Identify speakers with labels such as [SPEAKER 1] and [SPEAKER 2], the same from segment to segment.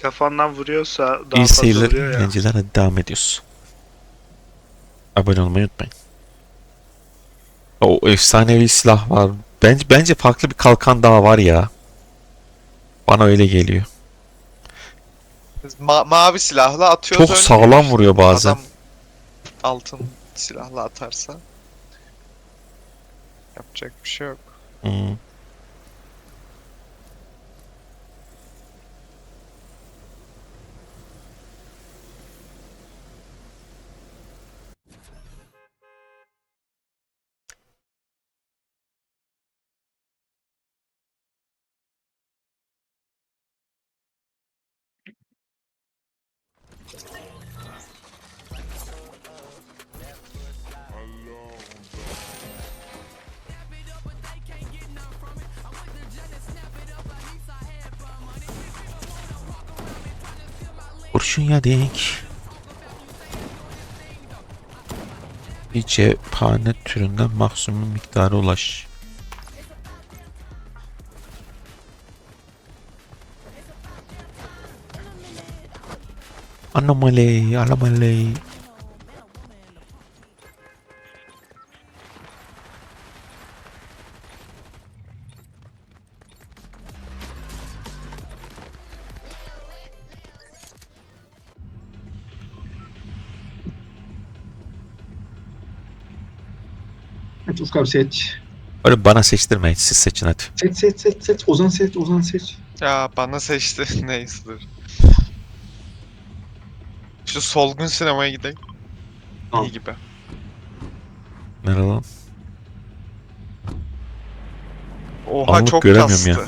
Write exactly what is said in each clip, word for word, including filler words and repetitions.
[SPEAKER 1] Kafandan vuruyorsa daha
[SPEAKER 2] İyi
[SPEAKER 1] fazla
[SPEAKER 2] seyirler,
[SPEAKER 1] vuruyor ya.
[SPEAKER 2] eğlenceler. Hadi devam ediyoruz. Abone olmayı unutmayın. O efsanevi silah var. Bence bence farklı bir kalkan daha var ya. Bana öyle geliyor.
[SPEAKER 3] Ma mavi silahla atıyoruz,
[SPEAKER 2] Çok
[SPEAKER 3] ölmüyor
[SPEAKER 2] sağlam
[SPEAKER 3] işte.
[SPEAKER 2] vuruyor bazen.
[SPEAKER 3] Adam altın silahla atarsa yapacak bir şey yok.
[SPEAKER 2] Hmm. Kurşun yedik. Bir cephane türünden maksimum miktara ulaş. Anomali, anomali.
[SPEAKER 4] Evet Ufuk abi seç.
[SPEAKER 2] Öyle bana seçtirmeyin, siz seçin hadi.
[SPEAKER 4] Seç seç seç seç. Ozan seç. Ozan seç.
[SPEAKER 3] Ya bana seçti neyse. Şu solgun sinemaya gidelim.
[SPEAKER 4] Tamam.
[SPEAKER 3] İyi gibi.
[SPEAKER 2] Nerede lan?
[SPEAKER 3] Oha
[SPEAKER 2] Anlık
[SPEAKER 3] çok
[SPEAKER 2] göremiyorum ya.
[SPEAKER 3] kastı.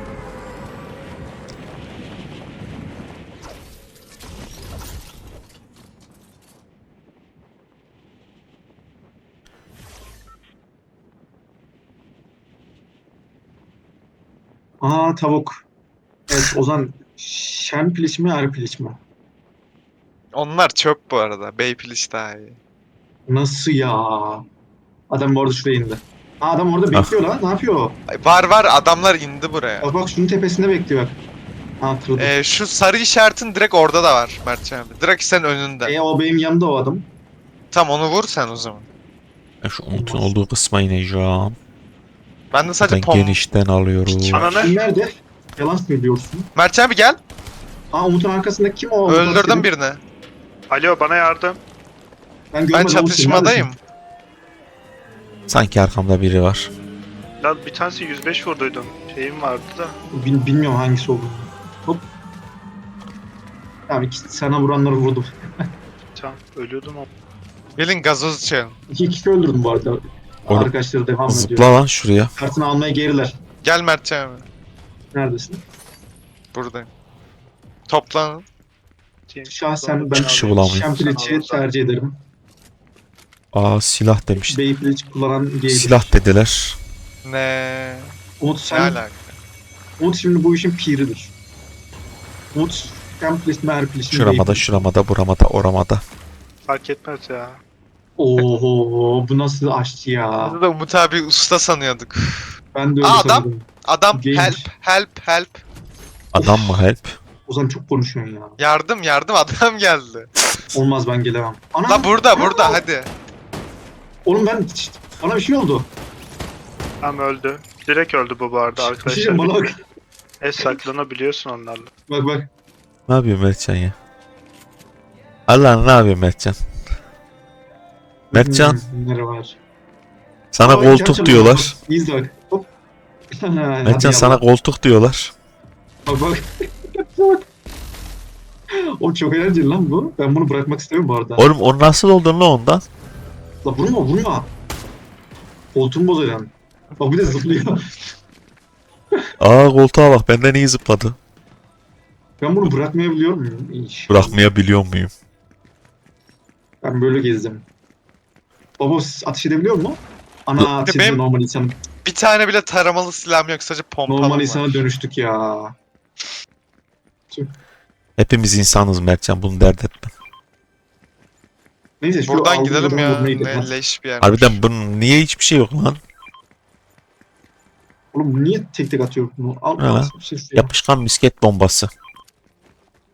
[SPEAKER 4] Aa tavuk. Evet Ozan. Şen piliç mi er piliç mi?
[SPEAKER 3] Onlar çöp bu arada. Beypiliş daha iyi.
[SPEAKER 4] Nasıl ya? Adam bu arada şuraya indi. Aa, adam orada bekliyor lan. Ne yapıyor?
[SPEAKER 3] Ay, var var adamlar indi buraya.
[SPEAKER 4] Bak bak şunun tepesinde bekliyor bak. Ha hatırladım.
[SPEAKER 3] Ee, şu sarı işaretin direkt orada da var Mertcan abi. Direkt senin önünde.
[SPEAKER 4] E o benim yanımda o adam.
[SPEAKER 3] Tam onu vur sen o zaman.
[SPEAKER 2] Ben şu Umut'un olduğu kısma ineceğim.
[SPEAKER 3] Ben de sadece
[SPEAKER 2] Ben
[SPEAKER 3] pom...
[SPEAKER 2] genişten alıyorum.
[SPEAKER 3] Pik var.
[SPEAKER 1] Ananı.
[SPEAKER 4] Kim nerede? Yalan söylüyorsun.
[SPEAKER 3] Mertcan abi gel.
[SPEAKER 4] Aa Umut'un arkasında kim o? Umut
[SPEAKER 3] Öldürdüm
[SPEAKER 4] askeri.
[SPEAKER 3] birini.
[SPEAKER 1] Alo bana yardım.
[SPEAKER 4] Ben
[SPEAKER 3] Ben
[SPEAKER 4] görmedim. Umut, sen
[SPEAKER 3] çatışmadayım.
[SPEAKER 4] neredesin?
[SPEAKER 2] Sanki arkamda biri var.
[SPEAKER 1] Lan bir tanesi yüz beş vurduydum. Şeyim vardı da.
[SPEAKER 4] Bil- bilmiyorum hangisi olduğunu. Hop. Tamam iki sana vuranları vurdum.
[SPEAKER 1] Tamam ölüyordum ama.
[SPEAKER 3] Gelin gazoz içelim.
[SPEAKER 4] İki kişi öldürdüm bu arada.
[SPEAKER 2] Oğlum,
[SPEAKER 4] Arkadaşları devam ediyor.
[SPEAKER 2] Zıpla lan şuraya.
[SPEAKER 4] Kartını almaya geriler.
[SPEAKER 3] Gel Mertcan abi.
[SPEAKER 4] Neredesin?
[SPEAKER 3] Buradayım. Toplanın.
[SPEAKER 4] Şahsen ben
[SPEAKER 2] Çıkışı bulamıyorum.
[SPEAKER 4] Şempiliç'i tercih ederim.
[SPEAKER 2] Aa silah demiştim.
[SPEAKER 4] Beypiliç kullanan gaydir.
[SPEAKER 2] Silah dediler.
[SPEAKER 3] Ne?
[SPEAKER 4] Umut
[SPEAKER 3] Ne
[SPEAKER 4] sen,
[SPEAKER 3] alaka?
[SPEAKER 4] Umut şimdi bu işin piridir. Umut Şempiliç mi Erpiliç mi
[SPEAKER 2] Şuramada,
[SPEAKER 4] Beypiliç?
[SPEAKER 2] şuramada, buramada, oramada.
[SPEAKER 1] Fark etmez ya.
[SPEAKER 4] Oho bu nasıl aşçı ya.
[SPEAKER 3] Biz de Umut abi usta sanıyorduk.
[SPEAKER 4] Ben de öyle
[SPEAKER 3] Aa, adam.
[SPEAKER 4] sanıyordum.
[SPEAKER 3] Adam
[SPEAKER 4] Gamer.
[SPEAKER 3] help help help.
[SPEAKER 2] Adam mı help?
[SPEAKER 4] Ozan çok konuşuyorsun ya.
[SPEAKER 3] Yardım yardım adam geldi.
[SPEAKER 4] Olmaz ben gelemem. Ana.
[SPEAKER 3] La burada burada hadi.
[SPEAKER 4] Oğlum ben bana bir şey oldu.
[SPEAKER 1] Tam öldü. Direkt öldü bu bu arada
[SPEAKER 4] Bir şey
[SPEAKER 1] arkadaşlar.
[SPEAKER 4] diyeceğim, bana bak.
[SPEAKER 1] E saklanabiliyorsun onlarla.
[SPEAKER 4] Bak bak.
[SPEAKER 2] Ne yapıyor Mertcan ya? Allah ne yapıyor Mertcan? Mertcan,
[SPEAKER 4] Hmm, nere var?
[SPEAKER 2] sana
[SPEAKER 4] Aa,
[SPEAKER 2] koltuk
[SPEAKER 4] gerçekten
[SPEAKER 2] diyorlar.
[SPEAKER 4] bak. İzle bak. Hop.
[SPEAKER 2] Mertcan sana koltuk diyorlar.
[SPEAKER 4] Bak bak. Bak. Oğlum çok eğlenceli lan bu. Ben bunu bırakmak istemiyorum bu arada.
[SPEAKER 2] Oğlum o nasıl oldun lan ondan?
[SPEAKER 4] La vurma vurma. Koltuğumu bozacaksın. Bak bir de zıplıyor.
[SPEAKER 2] Aa koltuğa bak benden iyi zıpladı.
[SPEAKER 4] Ben bunu bırakmayabiliyor muyum? İş.
[SPEAKER 2] Bırakmayabiliyor muyum?
[SPEAKER 4] Ben böyle gezdim. Baba siz ateş edebiliyor mu? Ana ateş ediyor
[SPEAKER 3] Benim-
[SPEAKER 4] normal insan.
[SPEAKER 3] Bir tane bile taramalı silahım yok sadece pompalım
[SPEAKER 4] Normal
[SPEAKER 3] var.
[SPEAKER 4] insana dönüştük ya.
[SPEAKER 2] Hepimiz insanız Mertcan, bunu dert etme.
[SPEAKER 4] Neyse şu
[SPEAKER 3] Buradan
[SPEAKER 4] aldığım
[SPEAKER 3] gidelim
[SPEAKER 4] adamı
[SPEAKER 3] ya.
[SPEAKER 4] vurmaya gidelim.
[SPEAKER 3] Ne
[SPEAKER 4] Hadi.
[SPEAKER 3] leş bir yer.
[SPEAKER 2] Harbiden bunun niye hiçbir şey yok lan?
[SPEAKER 4] Oğlum bu niye tek tek atıyor bunu? Al
[SPEAKER 2] Ha.
[SPEAKER 4] al. Bir şey şuraya.
[SPEAKER 2] Yapışkan misket bombası.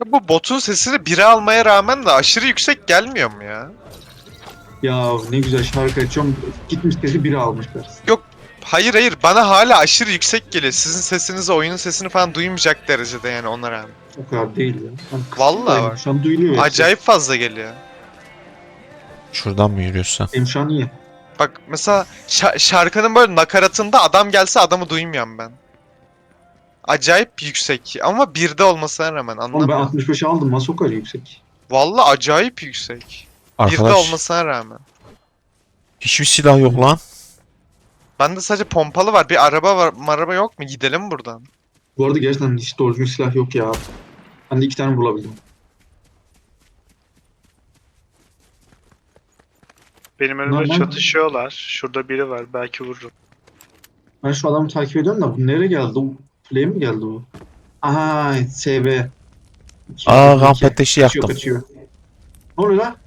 [SPEAKER 3] Bu botun sesini bire almaya rağmen de aşırı yüksek gelmiyor mu ya?
[SPEAKER 4] Ya ne güzel şarkı açıyorum. Gitmiş sesi biri almışlar.
[SPEAKER 3] Hayır hayır bana hala aşırı yüksek geliyor. Sizin sesinizi, oyunun sesini falan duymayacak derecede yani ona rağmen.
[SPEAKER 4] O kadar değil ya. Ben
[SPEAKER 3] Vallahi
[SPEAKER 4] kısımdayım.
[SPEAKER 3] bak.
[SPEAKER 4] Şu an duyuluyor. hepsi.
[SPEAKER 3] Acayip fazla geliyor.
[SPEAKER 2] Şuradan mı yürüyorsun?
[SPEAKER 4] Benim şu an iyi.
[SPEAKER 3] Bak mesela şa- şarkının böyle nakaratında adam gelse adamı duymuyorum ben. Acayip yüksek ama birde olmasına rağmen
[SPEAKER 4] Oğlum ben
[SPEAKER 3] anlamıyorum.
[SPEAKER 4] altmış beşe aldım. Nasıl o kadar yüksek?
[SPEAKER 3] Vallahi acayip yüksek. Birde
[SPEAKER 2] Arkadaş
[SPEAKER 3] olmasına rağmen.
[SPEAKER 2] hiçbir silah yok lan.
[SPEAKER 3] Bende sadece pompalı var. Bir araba var. Araba yok mu? Gidelim buradan.
[SPEAKER 4] Bu arada gerçekten hiç doğru düzgün silah yok ya. Ben de iki tane bulabildim.
[SPEAKER 1] Benim önümde
[SPEAKER 4] Normal.
[SPEAKER 1] çatışıyorlar. Şurada biri var. Belki vururum.
[SPEAKER 4] Ben şu adamı takip ediyorum da bu nereye geldi? Bu play mi geldi bu? Aha S B.
[SPEAKER 2] Aa kamp ateşi
[SPEAKER 4] Kaçıyor,
[SPEAKER 2] yaktım.
[SPEAKER 4] kaçıyor. Ne oluyor lan?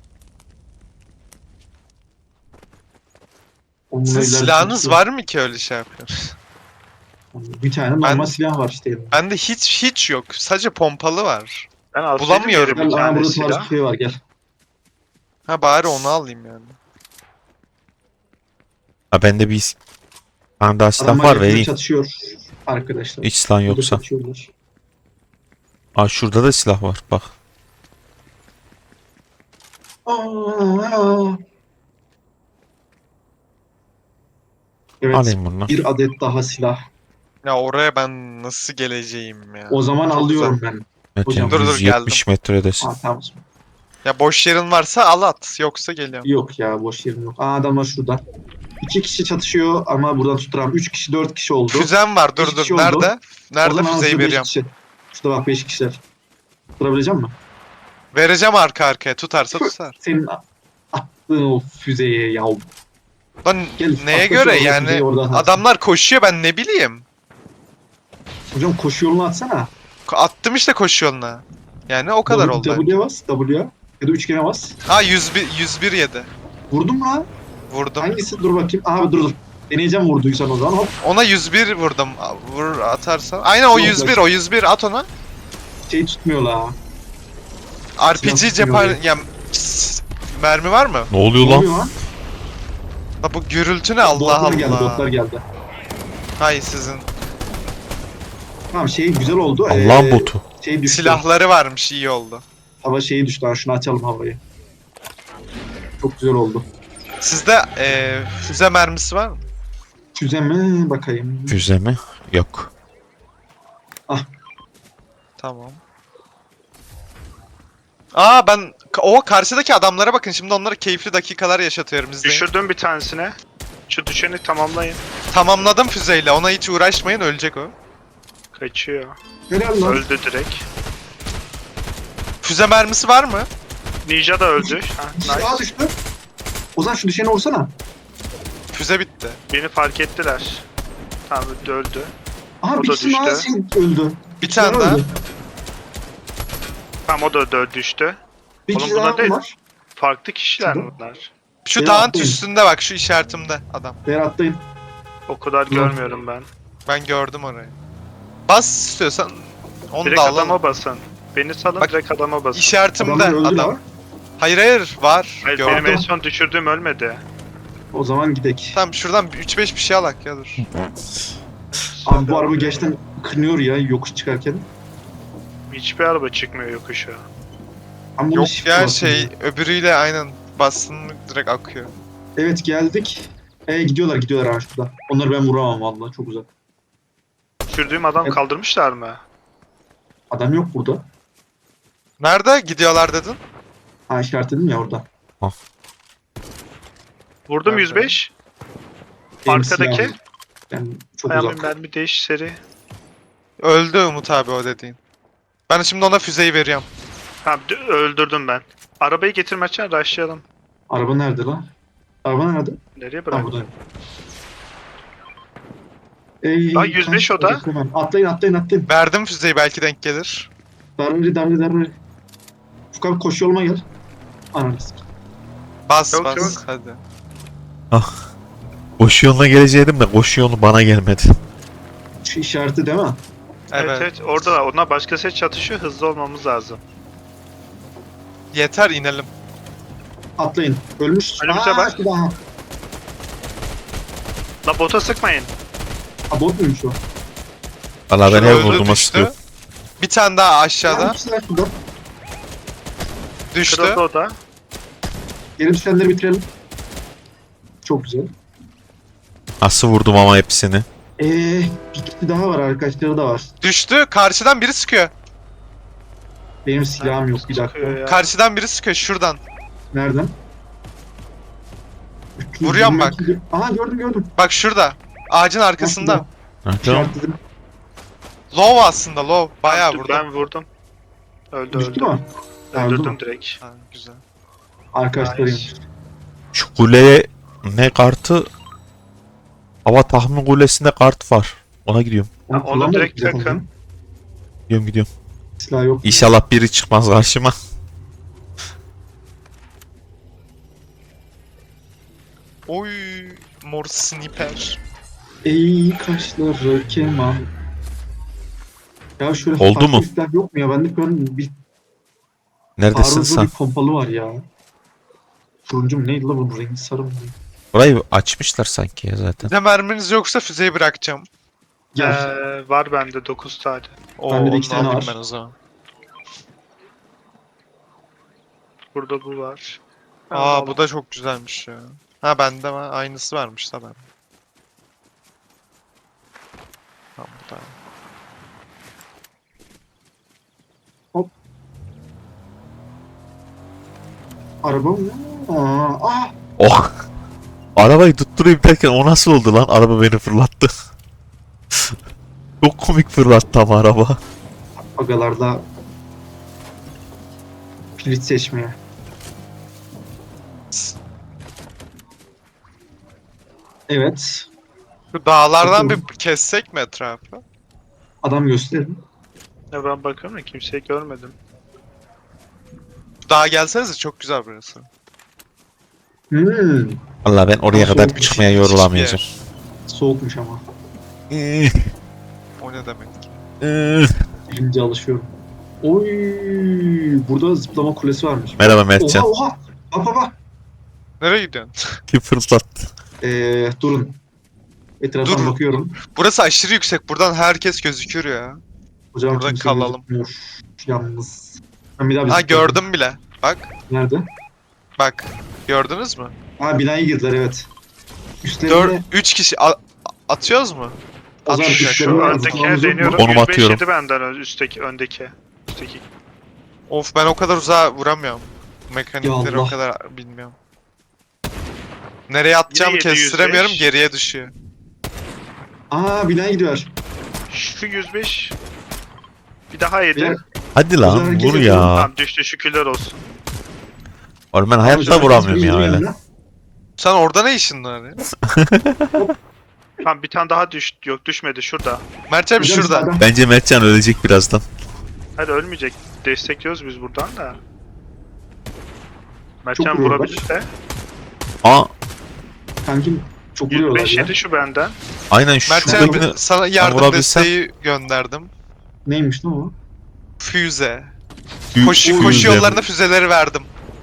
[SPEAKER 4] Oğlum,
[SPEAKER 3] Sizin
[SPEAKER 4] bunlar ileride
[SPEAKER 3] silahınız
[SPEAKER 4] kaçıyor.
[SPEAKER 3] var mı ki öyle şey yapıyorsunuz?
[SPEAKER 4] Bir tane normal
[SPEAKER 3] Ben-
[SPEAKER 4] silah var işte. elimde.
[SPEAKER 3] Bende hiç hiç yok. Sadece pompalı var.
[SPEAKER 1] Ben alsaydım
[SPEAKER 3] Bulamıyorum.
[SPEAKER 1] yere bir
[SPEAKER 4] Gel, aha,
[SPEAKER 1] tane
[SPEAKER 4] burada tarz
[SPEAKER 1] silah.
[SPEAKER 4] bir şey var gel.
[SPEAKER 3] Ha bari onu alayım yani.
[SPEAKER 2] Ha bende bir tane daha silah
[SPEAKER 4] Adamlar
[SPEAKER 2] var
[SPEAKER 4] yakında
[SPEAKER 2] vereyim.
[SPEAKER 4] çatışıyor arkadaşlar.
[SPEAKER 2] Hiç silah
[SPEAKER 4] Burada
[SPEAKER 2] yoksa.
[SPEAKER 4] çatışıyorlar.
[SPEAKER 2] Aa şurada da silah var bak.
[SPEAKER 4] Aa! Evet,
[SPEAKER 2] Alayım bunu.
[SPEAKER 4] bir adet daha silah.
[SPEAKER 3] Ya oraya ben nasıl geleceğim ya?
[SPEAKER 4] O zaman
[SPEAKER 3] Çok
[SPEAKER 4] alıyorum
[SPEAKER 3] uzak.
[SPEAKER 4] ben.
[SPEAKER 2] Metin
[SPEAKER 4] Hocam,
[SPEAKER 3] dur, dur,
[SPEAKER 2] yüz yetmiş metredesin.
[SPEAKER 4] Aa, tamam.
[SPEAKER 3] Ya boş yerin varsa al at. Yoksa geliyorum.
[SPEAKER 4] Yok ya boş yerim yok. Aa adamlar şurada. İki kişi çatışıyor ama buradan tutturam. Üç kişi, dört kişi oldu.
[SPEAKER 3] Füzem var. Dur
[SPEAKER 4] Beş
[SPEAKER 3] dur.
[SPEAKER 4] kişi oldu.
[SPEAKER 3] Nerede?
[SPEAKER 4] O
[SPEAKER 3] Nerede
[SPEAKER 4] zaman
[SPEAKER 3] füzeyi
[SPEAKER 4] aslında beş
[SPEAKER 3] veriyorum?
[SPEAKER 4] kişi. Şurada bak beş kişiler. Tutabilecek misin?
[SPEAKER 3] Vereceğim arka arkaya. Tutarsa tutar.
[SPEAKER 4] Senin a- attığın o füzeye yav.
[SPEAKER 3] Lan
[SPEAKER 4] Gel,
[SPEAKER 3] neye
[SPEAKER 4] atla
[SPEAKER 3] göre
[SPEAKER 4] şu
[SPEAKER 3] yani?
[SPEAKER 4] füzeyi oradan at.
[SPEAKER 3] Adamlar koşuyor ben ne bileyim.
[SPEAKER 4] Hocam koşu yolunu atsana.
[SPEAKER 3] Ko- Attım işte koşu yoluna. Yani o kadar oldu.
[SPEAKER 4] W'ye bas. W'ye. Ya da üçgene bas.
[SPEAKER 3] Ha yüz bir, yüz bir yedi.
[SPEAKER 4] Vurdun mu lan?
[SPEAKER 3] Vurdum.
[SPEAKER 4] Hangisi? Dur bakayım. Abi dur dur. Deneyeceğim vurduysan o zaman. Hop.
[SPEAKER 3] Ona yüz bir vurdum. Vur atarsan. Aynen o
[SPEAKER 4] Yok,
[SPEAKER 3] yüz bir,
[SPEAKER 4] yok.
[SPEAKER 3] o yüz bir at ona.
[SPEAKER 4] Şey tutmuyor la.
[SPEAKER 3] R P G
[SPEAKER 4] Silah
[SPEAKER 3] cephane...
[SPEAKER 4] tutmuyor
[SPEAKER 3] Ya, s- mermi var mı?
[SPEAKER 2] Ne oluyor
[SPEAKER 4] Ne
[SPEAKER 2] lan?
[SPEAKER 4] oluyor lan?
[SPEAKER 3] Ha, bu gürültü ne Allah
[SPEAKER 4] Botlar
[SPEAKER 3] Allah.
[SPEAKER 4] geldi. Botlar geldi.
[SPEAKER 3] Hay sizin.
[SPEAKER 4] Tamam şey güzel oldu.
[SPEAKER 2] Allah'ın
[SPEAKER 4] Ee,
[SPEAKER 2] botu.
[SPEAKER 4] Şey düştü.
[SPEAKER 3] Silahları varmış iyi oldu.
[SPEAKER 4] Hava şeyi düştü. Ha, şunu açalım havayı. Çok güzel oldu.
[SPEAKER 3] Sizde eee füze mermisi var mı?
[SPEAKER 4] Füze mi? Bakayım.
[SPEAKER 2] Füze mi? Yok.
[SPEAKER 3] Tamam. Aa ben o karşıdaki adamlara bakın şimdi onlara keyifli dakikalar yaşatıyorum izleyin.
[SPEAKER 1] Düşürdüm bir tanesine. Şu düşeni tamamlayın.
[SPEAKER 3] Tamamladım füzeyle ona hiç uğraşmayın ölecek o.
[SPEAKER 1] Kaçıyor.
[SPEAKER 4] Helal lan.
[SPEAKER 1] Öldü direkt.
[SPEAKER 3] Füze mermisi var mı?
[SPEAKER 1] Ninja da öldü. Ha,
[SPEAKER 4] Bir kişi
[SPEAKER 1] nice.
[SPEAKER 4] daha düştü. Ozan şu düşeni vursana.
[SPEAKER 3] Füze bitti.
[SPEAKER 1] Beni fark ettiler. Tamam öldü öldü.
[SPEAKER 4] Aha
[SPEAKER 1] O
[SPEAKER 4] bir
[SPEAKER 1] da
[SPEAKER 4] kişi daha
[SPEAKER 1] düştü.
[SPEAKER 4] şey öldü.
[SPEAKER 3] Bir tane daha.
[SPEAKER 4] öldü.
[SPEAKER 1] Tamam o da öldü düştü.
[SPEAKER 4] Bir
[SPEAKER 1] Oğlum
[SPEAKER 4] kişi
[SPEAKER 1] bunlar
[SPEAKER 4] daha
[SPEAKER 1] değil.
[SPEAKER 4] var.
[SPEAKER 1] Farklı kişiler mi
[SPEAKER 4] Şurada.
[SPEAKER 1] bunlar?
[SPEAKER 3] Şu
[SPEAKER 4] Ya,
[SPEAKER 3] dağın
[SPEAKER 4] atlayın.
[SPEAKER 3] üstünde bak şu işaretimde adam.
[SPEAKER 4] Değer atlayın.
[SPEAKER 1] O kadar
[SPEAKER 4] Hı.
[SPEAKER 1] görmüyorum ben.
[SPEAKER 3] Ben gördüm orayı. Bas istiyorsan onu
[SPEAKER 1] Direkt
[SPEAKER 3] da alalım.
[SPEAKER 1] adama basın. Beni salın
[SPEAKER 3] Bak,
[SPEAKER 1] direkt adama basın.
[SPEAKER 3] İşaretimde
[SPEAKER 4] Adamlar öldü
[SPEAKER 3] adam.
[SPEAKER 4] lan.
[SPEAKER 3] Hayır hayır var.
[SPEAKER 1] Hayır,
[SPEAKER 3] gördüm.
[SPEAKER 1] benim en son düşürdüğüm ölmedi.
[SPEAKER 4] O zaman gidek.
[SPEAKER 3] Tamam şuradan üç beş bir şey alak ya dur.
[SPEAKER 4] Abi bu araba gerçekten kınıyor ya yokuş çıkarken.
[SPEAKER 1] Hiçbir araba çıkmıyor yokuşa.
[SPEAKER 4] Ama bunun
[SPEAKER 3] Yok
[SPEAKER 4] shift'e
[SPEAKER 3] ya
[SPEAKER 4] basın
[SPEAKER 3] şey öbürüyle aynen bastın mı direkt akıyor.
[SPEAKER 4] Evet geldik. E gidiyorlar gidiyorlar ha şurada. Onları ben vuramam vallahi çok uzak.
[SPEAKER 1] Düşürdüğüm adam
[SPEAKER 4] Evet.
[SPEAKER 1] kaldırmışlar mı?
[SPEAKER 4] Adam yok burada.
[SPEAKER 3] Nerede gidiyorlar dedin?
[SPEAKER 4] Ha işaretledim ya orada.
[SPEAKER 1] Vurdum
[SPEAKER 3] Nerede?
[SPEAKER 1] yüz beş.
[SPEAKER 4] Benim
[SPEAKER 1] Arkadaki.
[SPEAKER 4] silahım. Yani çok
[SPEAKER 1] Ayağımın
[SPEAKER 4] uzak.
[SPEAKER 1] mermi değiş seri.
[SPEAKER 3] Öldü Umut abi o dediğin. Ben şimdi ona füzeyi veriyorum.
[SPEAKER 1] Tamam d- öldürdüm ben. Arabayı getirmezsen rushlayalım.
[SPEAKER 4] Araba nerede lan? Araba nerede?
[SPEAKER 1] Nereye
[SPEAKER 4] Ha
[SPEAKER 1] bırak?
[SPEAKER 4] burada. Ey,
[SPEAKER 1] Aa, yüz beş o da.
[SPEAKER 4] kaç- hemen. Atlayın atlayın atlayın.
[SPEAKER 3] Verdim füzeyi belki denk gelir.
[SPEAKER 4] Darbe darbe darbe. Furkan abi koşu yoluma gel. Ananı sikeyim.
[SPEAKER 3] Bas
[SPEAKER 1] Yok,
[SPEAKER 3] bas
[SPEAKER 1] yok.
[SPEAKER 3] hadi.
[SPEAKER 2] Koşu yoluna geleceğim de koşu yolu bana gelmedi.
[SPEAKER 4] Şu işareti değil mi?
[SPEAKER 1] Evet
[SPEAKER 3] Evet.
[SPEAKER 1] evet, orada da ona başka set çatışıyor, hızlı olmamız lazım.
[SPEAKER 3] Yeter inelim.
[SPEAKER 4] Atlayın. Ölmüş.
[SPEAKER 1] Önümüze
[SPEAKER 4] Aa,
[SPEAKER 1] bak.
[SPEAKER 4] bir daha.
[SPEAKER 1] La bota sıkmayın.
[SPEAKER 4] Ha, bot muymuş o?
[SPEAKER 2] Valla ben
[SPEAKER 3] Şurada
[SPEAKER 2] her
[SPEAKER 3] öldü,
[SPEAKER 2] vurduğuma
[SPEAKER 3] düştü.
[SPEAKER 2] sıkıyorum.
[SPEAKER 3] Bir tane daha
[SPEAKER 4] Ya,
[SPEAKER 3] aşağıda.
[SPEAKER 4] ikisiler şurada.
[SPEAKER 3] Düştü.
[SPEAKER 1] Kırıldı o da.
[SPEAKER 4] Geri düşenleri bitirelim. Çok güzel.
[SPEAKER 2] Nasıl vurdum ama hepsini.
[SPEAKER 4] Eee bir kişi daha var, arkadaşları da var.
[SPEAKER 3] Düştü. Karşıdan biri sıkıyor.
[SPEAKER 4] Benim silahım yok, bir dakika.
[SPEAKER 1] Çıkıyor ya.
[SPEAKER 3] Karşıdan biri sıkıyor şuradan.
[SPEAKER 4] Nereden?
[SPEAKER 3] Vuruyorum bak.
[SPEAKER 4] Aha, gördüm gördüm.
[SPEAKER 3] Bak şurada. Ağacın arkasında.
[SPEAKER 2] Ha, tamam.
[SPEAKER 4] İşaretledim.
[SPEAKER 3] Low aslında low. Bayağı
[SPEAKER 1] Dur,
[SPEAKER 3] vurdu.
[SPEAKER 1] Ben vurdum. Öldü
[SPEAKER 4] Düştü
[SPEAKER 1] öldü.
[SPEAKER 4] mü? Öldü
[SPEAKER 1] Öldürdüm
[SPEAKER 4] mü?
[SPEAKER 1] direkt.
[SPEAKER 3] Ha, güzel.
[SPEAKER 4] Arkadaşlarıymış.
[SPEAKER 2] Şu kuleye ne kartı? Hava tahmin kulesinde kart var. Ona gidiyorum.
[SPEAKER 1] Ha, onu
[SPEAKER 4] kullanmadık
[SPEAKER 1] direkt
[SPEAKER 4] biz zaten.
[SPEAKER 1] takın.
[SPEAKER 2] Gidiyorum gidiyorum.
[SPEAKER 4] Silah yok.
[SPEAKER 2] İnşallah biri çıkmaz karşıma.
[SPEAKER 3] Oy mor sniper.
[SPEAKER 4] Ey kaşları keman. Ya şöyle
[SPEAKER 2] Oldu
[SPEAKER 4] farklı
[SPEAKER 2] mu?
[SPEAKER 4] bir silah yok mu ya? Bende şu an bir
[SPEAKER 2] Neredesin
[SPEAKER 4] arıza
[SPEAKER 2] sen?
[SPEAKER 4] bir pompalı var ya. Turuncu mu neydi la bunun rengi, sarı mı?
[SPEAKER 2] Burayı açmışlar sanki ya zaten.
[SPEAKER 3] Bir de merminiz yoksa füzeyi bırakacağım.
[SPEAKER 4] Gel.
[SPEAKER 1] Ee, var bende dokuz tane.
[SPEAKER 3] Oo,
[SPEAKER 4] Bende de
[SPEAKER 3] onu
[SPEAKER 4] iki tane
[SPEAKER 3] alayım
[SPEAKER 4] var.
[SPEAKER 3] ben o zaman.
[SPEAKER 1] Burada bu var.
[SPEAKER 3] Aa bu da çok güzelmiş ya. Ha bende var. Aynısı varmış da ben. Tamam bu da.
[SPEAKER 4] Araba mı? Aa, ah!
[SPEAKER 2] Oh! Arabayı tutturayım derken o nasıl oldu lan? Araba beni fırlattı. Çok komik fırlattı ama araba.
[SPEAKER 4] Agalarda pilit seçmeye. Evet.
[SPEAKER 3] Şu dağlardan
[SPEAKER 4] Bakalım.
[SPEAKER 3] bir kessek mi etrafı?
[SPEAKER 4] Adam gösterin.
[SPEAKER 1] Ya ben bakıyorum da kimseyi görmedim.
[SPEAKER 3] Dağa gelsenize çok güzel burası.
[SPEAKER 4] Hmm.
[SPEAKER 2] Valla ben oraya
[SPEAKER 4] Nasıl
[SPEAKER 2] kadar
[SPEAKER 4] olmuş?
[SPEAKER 2] çıkmaya
[SPEAKER 3] Müthiş bir
[SPEAKER 2] yorulamayacağım.
[SPEAKER 3] yer.
[SPEAKER 4] Soğukmuş ama.
[SPEAKER 3] O ne demek?
[SPEAKER 4] Birinci alışıyorum. Oy, burada zıplama kulesi varmış.
[SPEAKER 2] Merhaba Mertcan.
[SPEAKER 4] Oha oha. Bak bak bak.
[SPEAKER 3] Nereye gidiyorsun?
[SPEAKER 2] Kim fırlattı?
[SPEAKER 4] Ee, durun. Etraftan
[SPEAKER 3] Dur.
[SPEAKER 4] bakıyorum.
[SPEAKER 3] Burası aşırı yüksek. Buradan herkes gözükür ya.
[SPEAKER 4] Hocam
[SPEAKER 3] Burada
[SPEAKER 4] kimse
[SPEAKER 3] kalalım.
[SPEAKER 4] gözükmüyor. Yalnız. Ben bir daha bir
[SPEAKER 3] Ha
[SPEAKER 4] zıplayayım.
[SPEAKER 3] gördüm bile. Bak.
[SPEAKER 4] Nerede?
[SPEAKER 3] Bak. Gördünüz mü?
[SPEAKER 4] Ha, binaya girdiler, evet. Üstlerinde
[SPEAKER 3] dört üç kişi a- atıyoruz mu?
[SPEAKER 4] o zaman
[SPEAKER 3] atmayacak.
[SPEAKER 4] üstlerinde
[SPEAKER 1] Şu
[SPEAKER 4] var,
[SPEAKER 1] öndekine
[SPEAKER 4] zıplamamız yok mu?
[SPEAKER 1] deniyorum.
[SPEAKER 2] Konum
[SPEAKER 1] yüz beş
[SPEAKER 2] atıyorum.
[SPEAKER 1] yedi benden ön- üstteki öndeki. Üstteki.
[SPEAKER 3] Of ben o kadar uzağa vuramıyorum. Mekanikleri
[SPEAKER 4] Ya
[SPEAKER 3] o
[SPEAKER 4] Allah.
[SPEAKER 3] kadar bilmiyorum. Nereye atacağımı
[SPEAKER 1] Yine yedi yüz
[SPEAKER 3] kestiremiyorum.
[SPEAKER 1] beş.
[SPEAKER 3] Geriye düşüyor.
[SPEAKER 4] Aa, binaya gidiyorlar.
[SPEAKER 1] Şu yüz beş. Bir daha yedi.
[SPEAKER 4] Beyler,
[SPEAKER 2] Hadi
[SPEAKER 4] Güzel
[SPEAKER 2] lan
[SPEAKER 4] hareket
[SPEAKER 2] vur
[SPEAKER 4] yapıyorum.
[SPEAKER 2] ya.
[SPEAKER 1] Tamam düştü, şükürler olsun.
[SPEAKER 2] Oğlum ben
[SPEAKER 4] hocam,
[SPEAKER 2] hayatta vuramıyorum ya
[SPEAKER 4] bizim
[SPEAKER 2] öyle.
[SPEAKER 4] yanına.
[SPEAKER 3] Sen orada ne işin var ya?
[SPEAKER 1] Tamam bir tane daha düştü. Yok düşmedi, şurada.
[SPEAKER 3] Mert abi
[SPEAKER 4] Hocam
[SPEAKER 3] şurada.
[SPEAKER 4] sağdan.
[SPEAKER 2] Bence Mertcan ölecek birazdan.
[SPEAKER 1] Hadi ölmeyecek. Destekliyoruz biz buradan da. Mertcan
[SPEAKER 4] Çok vuruyorlar.
[SPEAKER 1] vurabilir de.
[SPEAKER 2] Aa
[SPEAKER 4] Kankim çok
[SPEAKER 1] yüz
[SPEAKER 4] vuruyorlar
[SPEAKER 1] beş
[SPEAKER 4] ya.
[SPEAKER 1] yedi şu benden.
[SPEAKER 2] aynen
[SPEAKER 3] Mert
[SPEAKER 2] şuradakini
[SPEAKER 3] abi sana yardım
[SPEAKER 2] vurabilsem-
[SPEAKER 3] desteği gönderdim.
[SPEAKER 4] Neymiş lan o?
[SPEAKER 3] Füze.
[SPEAKER 2] büyük
[SPEAKER 3] Koşu,
[SPEAKER 2] füze
[SPEAKER 3] koşu
[SPEAKER 2] bu.
[SPEAKER 3] yollarına füzeleri verdim.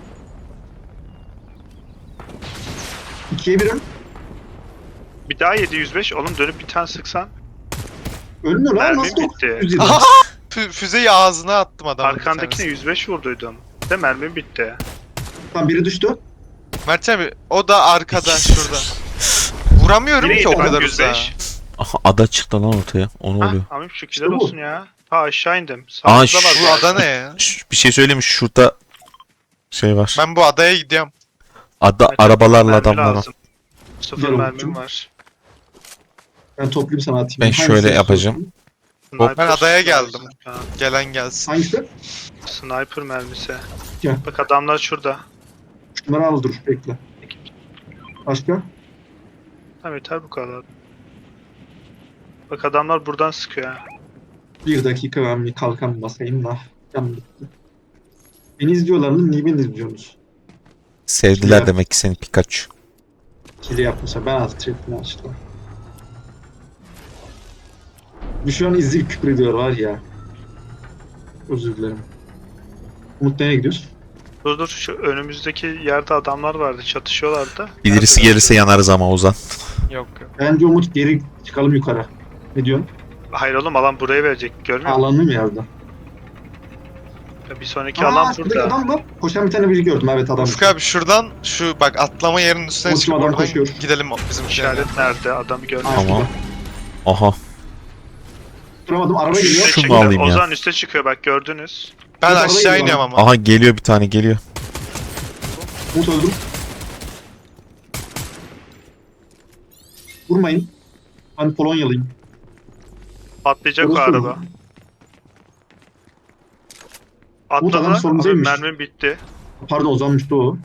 [SPEAKER 4] İkiye birim.
[SPEAKER 1] Bir daha yedi yüz beş. Oğlum dönüp bir tane sıksan.
[SPEAKER 4] Ölmüyor lan,
[SPEAKER 1] Mermim
[SPEAKER 4] nasıl
[SPEAKER 1] bitti.
[SPEAKER 4] dokuz yüz yedi?
[SPEAKER 3] Aha! Fü- füzeyi ağzına attım adamın bir
[SPEAKER 1] Arkandakine
[SPEAKER 3] tanesini.
[SPEAKER 1] yüz beş vurduydum. De mermim bitti.
[SPEAKER 4] Tamam, biri düştü.
[SPEAKER 3] Mert abi o da arkada şurada. Vuramıyorum
[SPEAKER 1] Yine
[SPEAKER 3] ki o
[SPEAKER 1] yedi
[SPEAKER 3] kadar
[SPEAKER 1] yüz
[SPEAKER 3] uzağa.
[SPEAKER 1] beş.
[SPEAKER 2] Aha, ada çıktı lan ortaya. O ne
[SPEAKER 1] Hah,
[SPEAKER 2] oluyor?
[SPEAKER 1] amim şükürler
[SPEAKER 4] İşte bu.
[SPEAKER 1] olsun ya. Ha aşağı indim.
[SPEAKER 2] Aa,
[SPEAKER 1] Sağımızda var.
[SPEAKER 3] Bu
[SPEAKER 1] bu
[SPEAKER 3] ada
[SPEAKER 1] arada.
[SPEAKER 3] ne ya?
[SPEAKER 2] Şş, bir şey söyleyeyim mi? Şurada şey var.
[SPEAKER 3] Ben bu adaya gidiyorum.
[SPEAKER 2] Ada
[SPEAKER 1] Mertcan,
[SPEAKER 2] arabalarla
[SPEAKER 1] mermi
[SPEAKER 2] adamlar var.
[SPEAKER 1] lazım. Sıfır
[SPEAKER 4] Gel
[SPEAKER 1] mermim
[SPEAKER 4] oğlum.
[SPEAKER 1] var.
[SPEAKER 4] Ben toplayayım sana atayım.
[SPEAKER 2] Ben
[SPEAKER 4] Hangisi
[SPEAKER 2] şöyle
[SPEAKER 4] istiyorsun?
[SPEAKER 2] yapacağım.
[SPEAKER 1] Sniper
[SPEAKER 3] Ben adaya
[SPEAKER 1] mermisi
[SPEAKER 3] geldim.
[SPEAKER 1] lazım. Ha,
[SPEAKER 3] Gelen gelsin.
[SPEAKER 4] Hangisi?
[SPEAKER 1] sniper mermisi.
[SPEAKER 4] Gel.
[SPEAKER 1] Bak adamlar şurada.
[SPEAKER 4] Şunları al, dur bekle. Başka?
[SPEAKER 1] Tamam yeter bu kadar. Bak adamlar buradan sıkıyor ha.
[SPEAKER 4] Bir dakika, ben bir kalkan basayım da. Canım bitti. Beni izliyorlar mı? Niye beni izliyorsunuz?
[SPEAKER 2] Sevdiler
[SPEAKER 4] Ya.
[SPEAKER 2] demek ki seni Pikachu.
[SPEAKER 4] Kili yapmışlar. Ben alt tripini açtım. Bir şu an izleyip küfür ediyor var ya. Özür dilerim. Umut nereye gidiyoruz?
[SPEAKER 1] Dur dur şu önümüzdeki yerde adamlar vardı çatışıyorlardı.
[SPEAKER 2] Birisi
[SPEAKER 1] Nerede?
[SPEAKER 2] gelirse yanarız ama Ozan.
[SPEAKER 3] Yok yok.
[SPEAKER 4] Bence Umut geri çıkalım yukarı. Ne diyorsun?
[SPEAKER 1] Hayır oğlum alan buraya verecek görmüyor musun?
[SPEAKER 4] Alanı mı yazdı?
[SPEAKER 1] Bir sonraki
[SPEAKER 4] Aa,
[SPEAKER 1] alan
[SPEAKER 4] şuradaki
[SPEAKER 1] burada.
[SPEAKER 4] adam var. Koşan bir tane biri gördüm. Evet adam.
[SPEAKER 3] Ufuk abi şuradan şu bak atlama yerinin üstüne
[SPEAKER 4] Umut,
[SPEAKER 3] çıkıp
[SPEAKER 4] adam
[SPEAKER 3] oradan
[SPEAKER 4] koşuyor.
[SPEAKER 3] gidelim o- bizim şehre.
[SPEAKER 1] İşaret nerede? Adamı görmüyor.
[SPEAKER 4] Aa,
[SPEAKER 2] Tamam.
[SPEAKER 4] şurada.
[SPEAKER 2] Aha.
[SPEAKER 4] Duramadım. Araba
[SPEAKER 1] Üste
[SPEAKER 4] geliyor.
[SPEAKER 2] Şunu
[SPEAKER 1] çıkıyor.
[SPEAKER 2] alayım ya.
[SPEAKER 1] Ozan üste çıkıyor bak gördünüz.
[SPEAKER 3] Ben
[SPEAKER 4] Şurada
[SPEAKER 3] aşağı
[SPEAKER 4] araba
[SPEAKER 3] iniyorum
[SPEAKER 4] geliyor.
[SPEAKER 3] ama.
[SPEAKER 2] Aha geliyor bir tane geliyor.
[SPEAKER 4] Umut öldüm. Vurmayın. Ben Polonyalıyım.
[SPEAKER 1] Patlayacak o
[SPEAKER 4] Orası
[SPEAKER 1] araba.
[SPEAKER 4] mı?
[SPEAKER 1] Atladı.
[SPEAKER 4] adam
[SPEAKER 1] Abi
[SPEAKER 4] solumuzdaymış.
[SPEAKER 1] mermim bitti.
[SPEAKER 4] Pardon uzanmıştı o.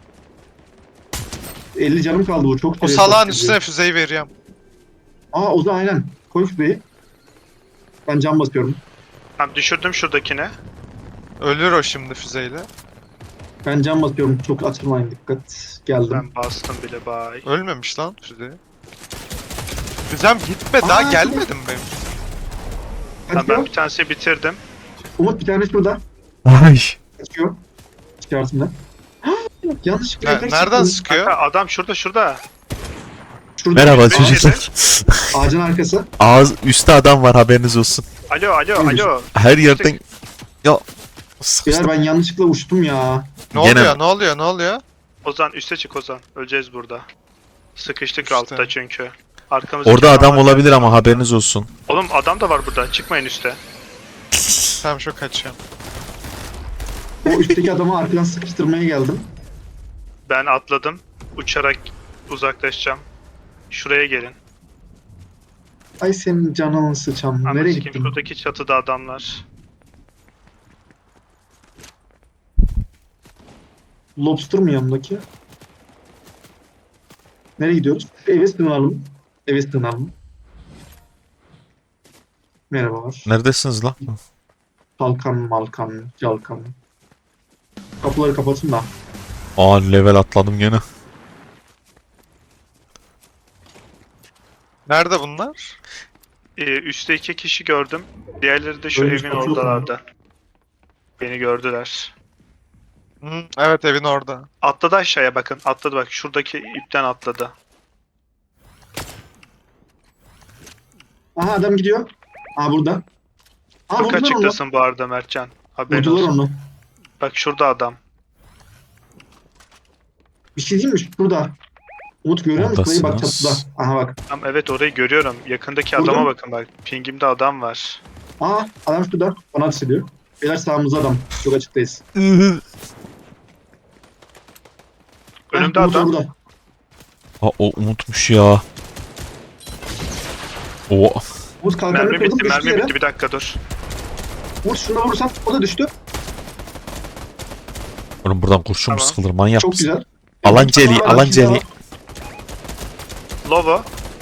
[SPEAKER 4] elli canım kaldı bu çok.
[SPEAKER 3] O
[SPEAKER 4] seri
[SPEAKER 3] salağın
[SPEAKER 4] çok
[SPEAKER 3] üstüne füzeyi veriyorum.
[SPEAKER 4] Aa Ozan aynen. Koy şurayı. Ben cam basıyorum.
[SPEAKER 1] Tamam düşürdüm şuradakine.
[SPEAKER 3] Ölür o şimdi füzeyle.
[SPEAKER 4] Ben cam basıyorum. Çok açılmayın dikkat. Geldim.
[SPEAKER 1] Ben bastım bile bay.
[SPEAKER 3] Ölmemiş lan füzeyi. Füzem gitme daha
[SPEAKER 4] Aa,
[SPEAKER 3] gelmedim benim.
[SPEAKER 1] Tamam,
[SPEAKER 4] Kaçıyor.
[SPEAKER 1] ben bir tanesini bitirdim.
[SPEAKER 4] Umut bir tane şurada.
[SPEAKER 2] Ay.
[SPEAKER 4] Kaçıyor. Çıkartımda. Yanlışlıkla
[SPEAKER 3] Ne-
[SPEAKER 4] yukarı
[SPEAKER 3] nereden
[SPEAKER 4] çıktım.
[SPEAKER 3] sıkıyor?
[SPEAKER 1] Kanka adam şurada şurada.
[SPEAKER 4] Şurada.
[SPEAKER 2] Merhaba
[SPEAKER 1] yüz beş
[SPEAKER 2] çocuklar.
[SPEAKER 4] Ağacın arkası.
[SPEAKER 2] Ağız üstte adam var haberiniz olsun.
[SPEAKER 1] Alo alo
[SPEAKER 4] Neymiş?
[SPEAKER 1] alo.
[SPEAKER 2] Her yerden... Ya...
[SPEAKER 4] Beyler
[SPEAKER 2] Sıkıştım.
[SPEAKER 4] ben yanlışlıkla uçtum ya.
[SPEAKER 3] Ne
[SPEAKER 2] Gene-
[SPEAKER 3] oluyor ne oluyor ne oluyor?
[SPEAKER 1] Ozan üste çık Ozan. Öleceğiz burada. Sıkıştık
[SPEAKER 3] Üste.
[SPEAKER 1] altta çünkü. Arkamızda
[SPEAKER 2] Orada adam olabilir ama haberiniz olsun.
[SPEAKER 1] Oğlum adam da var burada. Çıkmayın üste.
[SPEAKER 3] Tamam şu kaçıyorum.
[SPEAKER 4] O üstteki adamı arkadan sıkıştırmaya geldim.
[SPEAKER 1] Ben atladım. Uçarak uzaklaşacağım. Şuraya gelin.
[SPEAKER 4] Ay senin canını sıçam.
[SPEAKER 1] Ama
[SPEAKER 4] Nereye
[SPEAKER 1] sikim
[SPEAKER 4] gittin?
[SPEAKER 1] şuradaki çatıda adamlar.
[SPEAKER 4] Lobster mı yanındaki? Nereye gidiyoruz? Eve sığınalım. Eve sığınalım. Merhabalar.
[SPEAKER 2] Neredesiniz lan?
[SPEAKER 4] Kalkan, malkan, calkan. Kapıları kapatın da.
[SPEAKER 2] Aa level atladım gene.
[SPEAKER 3] Nerede bunlar?
[SPEAKER 1] Ee, üstte iki kişi gördüm. Diğerleri de şu
[SPEAKER 4] Ölmüş
[SPEAKER 1] evin
[SPEAKER 4] bakıyor mu?
[SPEAKER 1] oradalardı. Beni gördüler.
[SPEAKER 3] Hı, evet evin orada.
[SPEAKER 1] Atladı aşağıya bakın. Atladı bak. Şuradaki ipten atladı.
[SPEAKER 4] Aha adam gidiyor. Aa burada. Aa
[SPEAKER 1] Çok
[SPEAKER 4] vurdular onu.
[SPEAKER 1] açıktasın bu arada Mertcan. Haberin
[SPEAKER 4] Vurdular
[SPEAKER 1] olsun.
[SPEAKER 4] onu.
[SPEAKER 1] Bak şurada adam.
[SPEAKER 4] Bir şey değil mi? Şurada. Umut görüyor musun? Burayı bak
[SPEAKER 2] Oradasınız.
[SPEAKER 4] çatıda. Aha bak.
[SPEAKER 1] Tamam evet orayı görüyorum. Yakındaki
[SPEAKER 4] Burada
[SPEAKER 1] adama
[SPEAKER 4] mı?
[SPEAKER 1] bakın bak. Pingimde adam var.
[SPEAKER 4] Aa adam şurada. Bana ateş ediyor. Beyler sağımızda adam. Çok açıktayız.
[SPEAKER 1] Önümde
[SPEAKER 4] Heh, Umut
[SPEAKER 1] adam.
[SPEAKER 4] orada.
[SPEAKER 2] Aa o unutmuş ya. O
[SPEAKER 4] Umut kalkanını
[SPEAKER 1] Mermi
[SPEAKER 4] kırdım.
[SPEAKER 1] bitti,
[SPEAKER 4] Düştü
[SPEAKER 1] mermi
[SPEAKER 4] yere.
[SPEAKER 1] bitti. Bir dakika dur.
[SPEAKER 4] Umut şuna vurursam o da düştü.
[SPEAKER 2] oğlum buradan kurşun mu
[SPEAKER 1] Tamam.
[SPEAKER 2] sıkılır manyak
[SPEAKER 4] Çok
[SPEAKER 2] mısın?
[SPEAKER 4] güzel.
[SPEAKER 2] Alanceli,
[SPEAKER 4] Tamam,
[SPEAKER 2] Alanceli.
[SPEAKER 4] tamam.
[SPEAKER 1] Lovo.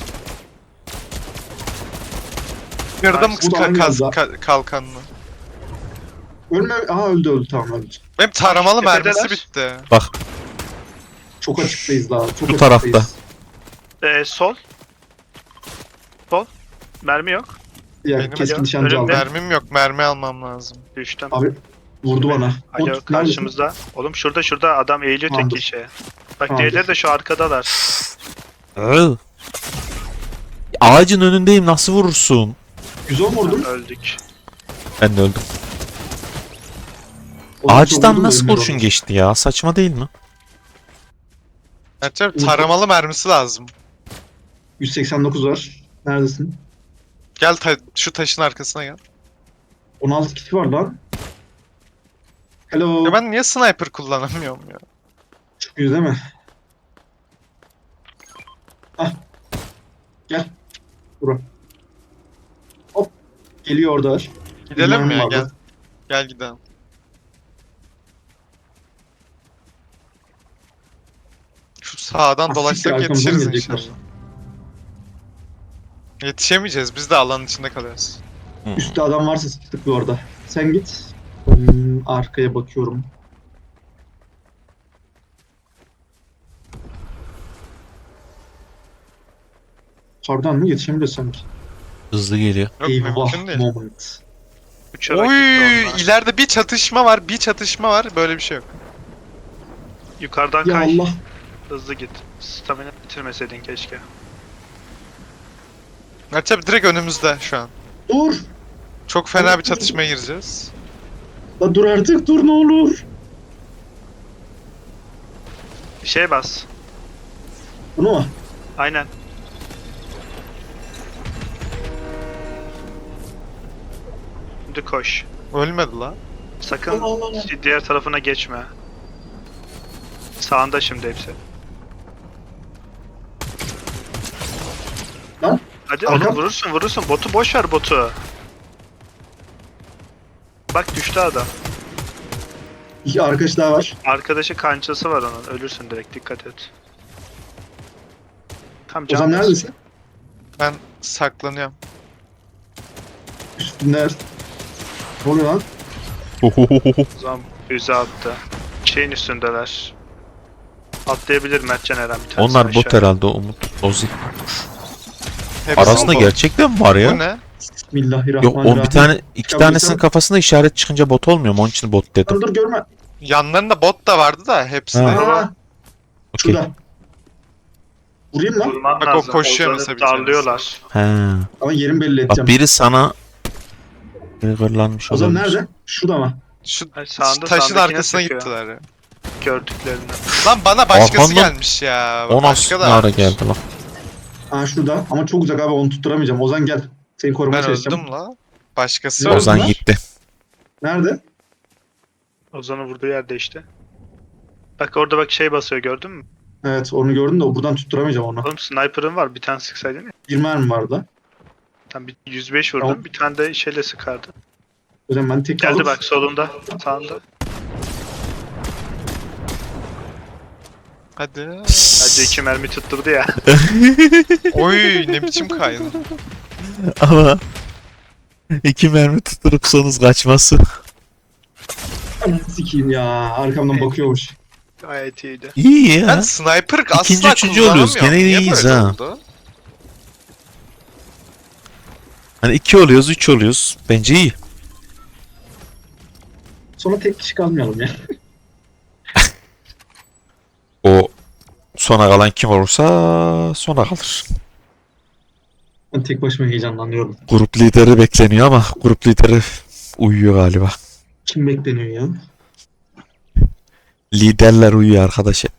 [SPEAKER 3] Kırdım
[SPEAKER 1] Bu
[SPEAKER 4] da
[SPEAKER 3] ka-
[SPEAKER 4] aynı
[SPEAKER 3] kaz-
[SPEAKER 4] yolda.
[SPEAKER 3] ka- kalkanını.
[SPEAKER 4] Ölme. Aha öldü öldü tamam öldü.
[SPEAKER 3] Benim taramalı
[SPEAKER 1] Tepedeler.
[SPEAKER 3] mermisi bitti.
[SPEAKER 2] Bak
[SPEAKER 4] Çok açıktayız daha. Çok
[SPEAKER 2] Bu tarafta.
[SPEAKER 4] açıktayız.
[SPEAKER 1] Ee, sol. Sol. Mermi yok.
[SPEAKER 4] Ya
[SPEAKER 3] Benim
[SPEAKER 4] keskin
[SPEAKER 1] acaba
[SPEAKER 4] nişancı aldım.
[SPEAKER 1] önümde-
[SPEAKER 3] Mermim yok mermi almam lazım.
[SPEAKER 1] Düştüm.
[SPEAKER 4] Abi vurdu bana.
[SPEAKER 1] Alo
[SPEAKER 4] Umut, neredesin?
[SPEAKER 1] karşımızda. Oğlum şurada şurada adam eğiliyor tek
[SPEAKER 4] Tamamdır.
[SPEAKER 1] kişi. Bak
[SPEAKER 4] Tamamdır.
[SPEAKER 1] diğerleri de şu arkadalar.
[SPEAKER 2] Iı. Ağacın önündeyim nasıl vurursun?
[SPEAKER 4] yüz on vurdum.
[SPEAKER 1] Öldük.
[SPEAKER 2] Ben de öldüm.
[SPEAKER 4] O zaman çok
[SPEAKER 2] Ağaçtan
[SPEAKER 4] vurdum,
[SPEAKER 2] nasıl
[SPEAKER 4] ölmüyor
[SPEAKER 2] kurşun
[SPEAKER 4] onu.
[SPEAKER 2] geçti ya? Saçma değil mi?
[SPEAKER 3] Gerçi taramalı mermisi lazım.
[SPEAKER 4] yüz seksen dokuz var. Neredesin?
[SPEAKER 3] Gel ta- şu taşın arkasına gel.
[SPEAKER 4] on altı kişi var lan. Hello.
[SPEAKER 3] Ya ben niye sniper kullanamıyorum ya?
[SPEAKER 4] Çıkıyor değil mi? Hah. Gel. Bura. Hop. Geliyor orada.
[SPEAKER 3] Gidelim mi ya
[SPEAKER 4] Bilmem
[SPEAKER 3] gel.
[SPEAKER 4] vardı.
[SPEAKER 3] Gel gidelim. Şu sağdan
[SPEAKER 4] Ah,
[SPEAKER 3] dolaşsak
[SPEAKER 4] siktir, arkamızdan
[SPEAKER 3] yetişiriz
[SPEAKER 4] gelecekler.
[SPEAKER 3] inşallah. Yetişemeyeceğiz biz de alanın içinde kalıyoruz.
[SPEAKER 4] Üstte adam varsa sıktık bir orada. Sen git. Hmm, arkaya bakıyorum. Kardan mı yetişebiliriz sanki?
[SPEAKER 2] Hızlı geliyor.
[SPEAKER 3] Yok
[SPEAKER 4] Eyvah
[SPEAKER 3] mümkün değil.
[SPEAKER 4] moment.
[SPEAKER 1] Uçarak
[SPEAKER 3] Oy,
[SPEAKER 1] gitti onlar.
[SPEAKER 3] ileride bir çatışma var, bir çatışma var. Böyle bir şey yok.
[SPEAKER 1] Yukarıdan
[SPEAKER 4] Ya
[SPEAKER 1] kay.
[SPEAKER 4] Allah.
[SPEAKER 1] Hızlı git. Stamina bitirmeseydin keşke.
[SPEAKER 3] Mert abi direkt önümüzde şu an.
[SPEAKER 4] Dur.
[SPEAKER 3] Çok fena bir çatışmaya gireceğiz.
[SPEAKER 4] La dur artık dur ne olur.
[SPEAKER 1] Bir şey bas.
[SPEAKER 4] Bunu mu?
[SPEAKER 1] Aynen. Şimdi koş.
[SPEAKER 3] Ölmedi la.
[SPEAKER 1] Sakın
[SPEAKER 4] Allah Allah Allah.
[SPEAKER 1] diğer tarafına geçme. Sağında şimdi hepsi.
[SPEAKER 4] Lan.
[SPEAKER 1] Hadi
[SPEAKER 4] Arkam.
[SPEAKER 1] oğlum vurursun vurursun. Botu boş ver botu. Bak düştü adam.
[SPEAKER 4] İki arkadaş daha var.
[SPEAKER 1] Arkadaşı kançası var onun. Ölürsün direkt dikkat et. Tam
[SPEAKER 4] Ozan
[SPEAKER 1] can bas.
[SPEAKER 4] neredesin?
[SPEAKER 3] Ben saklanıyorum.
[SPEAKER 4] Üstünde. Ne oluyor lan?
[SPEAKER 1] O zaman füze attı. Şeyin üstündeler. Atlayabilir Mertcan Eren bir tanesi
[SPEAKER 2] Onlar bot
[SPEAKER 1] aşağı.
[SPEAKER 2] herhalde Umut. Ozi.
[SPEAKER 3] Hepsi
[SPEAKER 2] Arasında
[SPEAKER 3] mi bu?
[SPEAKER 2] gerçekten mi var ya?
[SPEAKER 3] Bu ne?
[SPEAKER 2] Yok
[SPEAKER 4] Bismillahirrahmanirrahim.
[SPEAKER 2] o bir tane iki
[SPEAKER 4] Çıkabilirsem-
[SPEAKER 2] tanesinin kafasında işaret çıkınca bot olmuyor mu? Onun için bot dedim.
[SPEAKER 4] Dur dur görme.
[SPEAKER 3] Yanlarında bot da vardı da hepsi
[SPEAKER 2] Ha.
[SPEAKER 3] de.
[SPEAKER 4] Aa,
[SPEAKER 2] Okey.
[SPEAKER 4] şurada. Vurayım lan.
[SPEAKER 1] Vurman
[SPEAKER 3] Bak o
[SPEAKER 1] lazım.
[SPEAKER 3] koşuyor
[SPEAKER 1] Ozan'ı
[SPEAKER 3] mesela bir tanesi.
[SPEAKER 1] darlıyorlar.
[SPEAKER 2] He.
[SPEAKER 4] Ama yerini belli
[SPEAKER 2] Bak
[SPEAKER 4] edeceğim.
[SPEAKER 2] biri sana triggerlanmış
[SPEAKER 4] Ozan
[SPEAKER 2] olabilir.
[SPEAKER 4] nerede? Şurada mı?
[SPEAKER 3] Şu
[SPEAKER 1] Hayır, sağında,
[SPEAKER 3] taşın
[SPEAKER 1] sağındakine
[SPEAKER 3] arkasına
[SPEAKER 1] sıkıyor.
[SPEAKER 3] gittiler ya.
[SPEAKER 1] Gördüklerini.
[SPEAKER 3] Lan bana başkası
[SPEAKER 2] Arkandan-
[SPEAKER 3] gelmiş ya.
[SPEAKER 2] O nasıl
[SPEAKER 3] Başka
[SPEAKER 2] ne
[SPEAKER 3] da
[SPEAKER 2] ara
[SPEAKER 3] varmış.
[SPEAKER 2] geldi lan?
[SPEAKER 4] Aa şurada. Ama çok uzak abi onu tutturamayacağım. Ozan gel. Seni korumaya
[SPEAKER 3] Ben
[SPEAKER 4] çalışacağım.
[SPEAKER 3] öldüm la. Başkası
[SPEAKER 4] Ne
[SPEAKER 3] öldü.
[SPEAKER 2] Ozan
[SPEAKER 4] var?
[SPEAKER 2] gitti.
[SPEAKER 4] Nerede?
[SPEAKER 1] Ozan'ın vurduğu yerde işte. Bak orada bak şey basıyor gördün mü?
[SPEAKER 4] Evet onu gördüm de o buradan tutturamayacağım onu.
[SPEAKER 1] Oğlum sniper'ın var bir tane sıksaydın ya.
[SPEAKER 4] Bir mermi vardı.
[SPEAKER 1] Tam bir yüz beş vurdun
[SPEAKER 4] Tamam.
[SPEAKER 1] bir tane de şeyle sıkardı.
[SPEAKER 4] Hocam ben tek
[SPEAKER 1] Geldi
[SPEAKER 4] alıp-
[SPEAKER 1] bak solunda sağında.
[SPEAKER 3] Hadi.
[SPEAKER 1] Bence iki mermi tutturdu ya.
[SPEAKER 3] Oy ne biçim kaydı.
[SPEAKER 2] Ama iki mermi tutturup sonuz kaçması.
[SPEAKER 4] Ananı sikeyim ya. Arkamdan bakıyormuş.
[SPEAKER 1] Gayet iyiydi.
[SPEAKER 2] İyi
[SPEAKER 3] Ben
[SPEAKER 2] ya.
[SPEAKER 3] sniper asla
[SPEAKER 2] İkinci, üçüncü oluyoruz.
[SPEAKER 3] kullanamıyorum.
[SPEAKER 2] Gene
[SPEAKER 3] Niye
[SPEAKER 2] iyiyiz
[SPEAKER 3] böyle
[SPEAKER 2] ha.
[SPEAKER 3] oldu?
[SPEAKER 2] Hani iki oluyoruz, üç oluyoruz. Bence iyi.
[SPEAKER 4] Sonra tek kişi kalmayalım ya.
[SPEAKER 2] O sona kalan kim olursa sona kalır.
[SPEAKER 4] Ben tek başıma heyecanlanıyorum.
[SPEAKER 2] Grup lideri bekleniyor ama grup lideri uyuyor galiba.
[SPEAKER 4] Kim bekleniyor ya?
[SPEAKER 2] Liderler uyuyor arkadaş hep.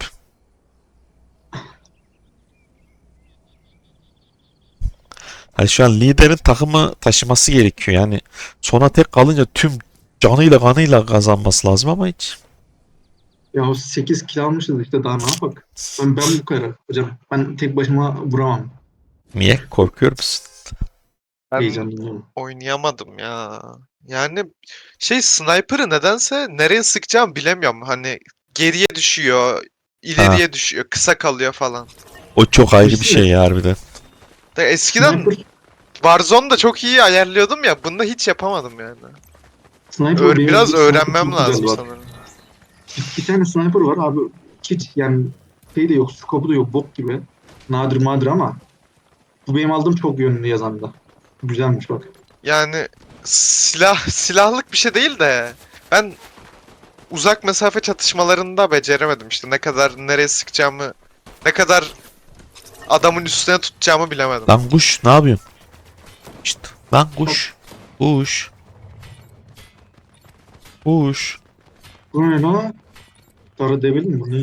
[SPEAKER 2] Hani şu an liderin takımı taşıması gerekiyor. Yani sona tek kalınca tüm canıyla kanıyla kazanması lazım ama hiç.
[SPEAKER 4] Ya sekiz kill almışız işte daha ne yapak? Ben, ben bu kadar hocam. Ben tek başıma vuramam.
[SPEAKER 2] Niye? Korkuyor musun?
[SPEAKER 3] Ben
[SPEAKER 4] Heyecanlanıyorum.
[SPEAKER 3] oynayamadım ya. Yani şey sniper'ı nedense nereye sıkacağım bilemiyorum. Hani geriye düşüyor, ileriye düşüyor, kısa kalıyor falan.
[SPEAKER 2] O çok ayrı bir
[SPEAKER 4] Kesin
[SPEAKER 2] şey ya harbiden.
[SPEAKER 3] Da eskiden
[SPEAKER 4] Sniper,
[SPEAKER 3] Warzone'da çok iyi ayarlıyordum ya. Bunda hiç yapamadım yani.
[SPEAKER 4] sniper
[SPEAKER 3] Öğ-
[SPEAKER 4] benim-
[SPEAKER 3] biraz
[SPEAKER 4] sniper
[SPEAKER 3] öğrenmem
[SPEAKER 4] çok güzel
[SPEAKER 3] lazım
[SPEAKER 4] var.
[SPEAKER 3] sanırım.
[SPEAKER 4] Bir tane sniper var abi. Hiç yani şey de yok, skopu da yok, bok gibi. Nadir madir ama bu benim aldığım çok yönlü yazanda. Güzelmiş bak.
[SPEAKER 3] Yani silah silahlık bir şey değil de ben uzak mesafe çatışmalarında beceremedim işte ne kadar nereye sıkacağımı, ne kadar adamın üstüne tutacağımı bilemedim.
[SPEAKER 2] Lan kuş ne yapıyorsun? İşte lan kuş. Kuş. Kuş.
[SPEAKER 4] Bu ne lan? Dara devil mi bu ne?